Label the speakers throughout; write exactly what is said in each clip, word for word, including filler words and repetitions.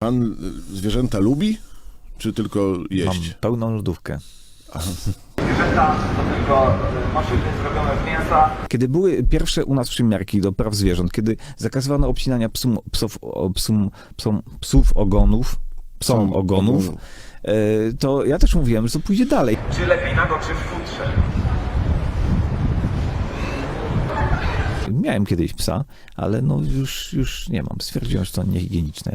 Speaker 1: Pan zwierzęta lubi, czy tylko jeść?
Speaker 2: Mam pełną lodówkę.
Speaker 3: Zwierzęta to tylko maszyny zrobione z mięsa.
Speaker 2: Kiedy były pierwsze u nas przymiarki do praw zwierząt, kiedy zakazywano obcinania psum, psów, o, psum, psom, psów ogonów, psom
Speaker 1: Psom
Speaker 2: ogonów,
Speaker 1: ogonów.
Speaker 2: e, to ja też mówiłem, że to pójdzie dalej.
Speaker 3: Czy lepiej nago, czy w futrze?
Speaker 2: Miałem kiedyś psa, ale no już, już nie mam. Stwierdziłem, że to niehigieniczne.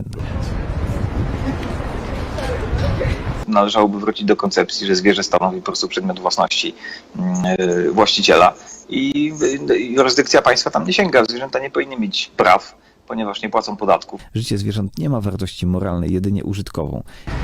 Speaker 4: Należałoby wrócić do koncepcji, że zwierzę stanowi po prostu przedmiot własności yy, właściciela i yy, jurysdykcja państwa tam nie sięga. Zwierzęta nie powinny mieć praw, ponieważ nie płacą podatków.
Speaker 2: Życie zwierząt nie ma wartości moralnej, jedynie użytkową.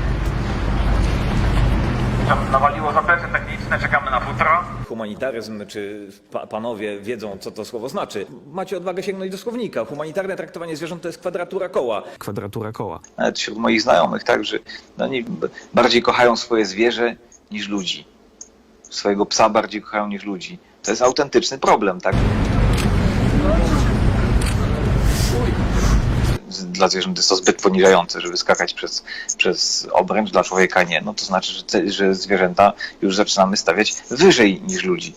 Speaker 3: Nawaliło zaplecze techniczne, czekamy na futro.
Speaker 5: Humanitaryzm, czy pa panowie wiedzą, co to słowo znaczy. Macie odwagę sięgnąć do słownika. Humanitarne traktowanie zwierząt to jest kwadratura koła.
Speaker 2: Kwadratura koła.
Speaker 4: Nawet wśród moich znajomych, tak, że oni bardziej kochają swoje zwierzę niż ludzi. Swojego psa bardziej kochają niż ludzi. To jest autentyczny problem, tak? Dla zwierząt jest to zbyt poniżające, żeby skakać przez, przez obręcz, dla człowieka nie. No to znaczy, że, że zwierzęta już zaczynamy stawiać wyżej niż ludzi.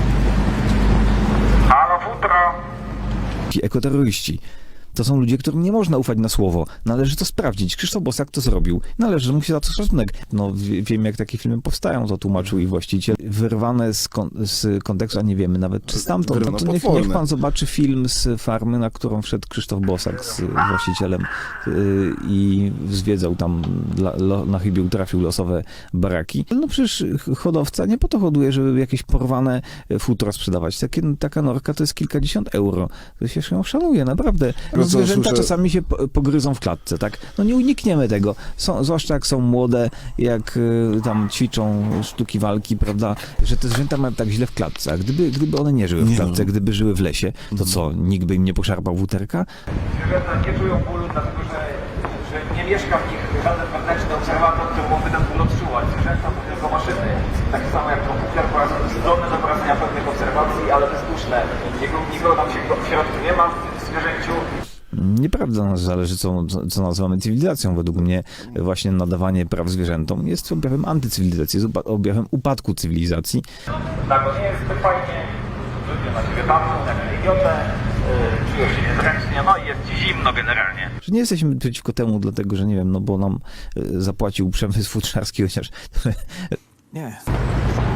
Speaker 3: Halo futro!
Speaker 2: Ci ekoterroryści. To są ludzie, którym nie można ufać na słowo. Należy to sprawdzić. Krzysztof Bosak to zrobił. Należy mu się za to szacunek. No wie, wiem, jak takie filmy powstają, to tłumaczył i właściciel. Wyrwane z, kon z kontekstu, a nie wiemy nawet, czy stamtąd. No to niech, niech pan zobaczy film z farmy, na którą wszedł Krzysztof Bosak z właścicielem yy, i zwiedzał tam, dla, lo, na chybił trafił losowe baraki. No przecież hodowca nie po to hoduje, żeby jakieś porwane futro sprzedawać. Takie, taka norka to jest kilkadziesiąt euro. To się ją szanuje, naprawdę. No, zwierzęta
Speaker 1: słyszę...
Speaker 2: czasami się pogryzą w klatce, tak? No nie unikniemy tego. Są, zwłaszcza jak są młode, jak y, tam ćwiczą sztuki walki, prawda? Że te zwierzęta mają tak źle w klatce. A gdyby, gdyby one nie żyły w klatce, nie. gdyby żyły w lesie, to co? Nikt by im nie poszarpał wuterka?
Speaker 3: Zwierzęta nie czują bólu, dlatego że, że nie mieszka w nich żaden wewnętrzny obserwator, który mógłby ten ból odczuwać. Zwierzęta to tylko maszyny. Tak samo jak komputer po raz zdolny do prowadzenia pewnych obserwacji, ale bezduszne. Nikogo tam się w środku nie ma w zwierzęciu.
Speaker 2: Nieprawda, nas zależy, co, co nazywamy cywilizacją. Według mnie właśnie nadawanie praw zwierzętom jest objawem antycywilizacji, jest objawem upadku cywilizacji.
Speaker 3: Tak, to nie jest zbyt fajnie, ludzie na ciebie patrzą jak idiotę, yy, czują się niezręcznie, no i jest ci zimno generalnie.
Speaker 2: Że nie jesteśmy przeciwko temu, dlatego że nie wiem, no bo nam zapłacił przemysł futrzarski, chociaż... nie.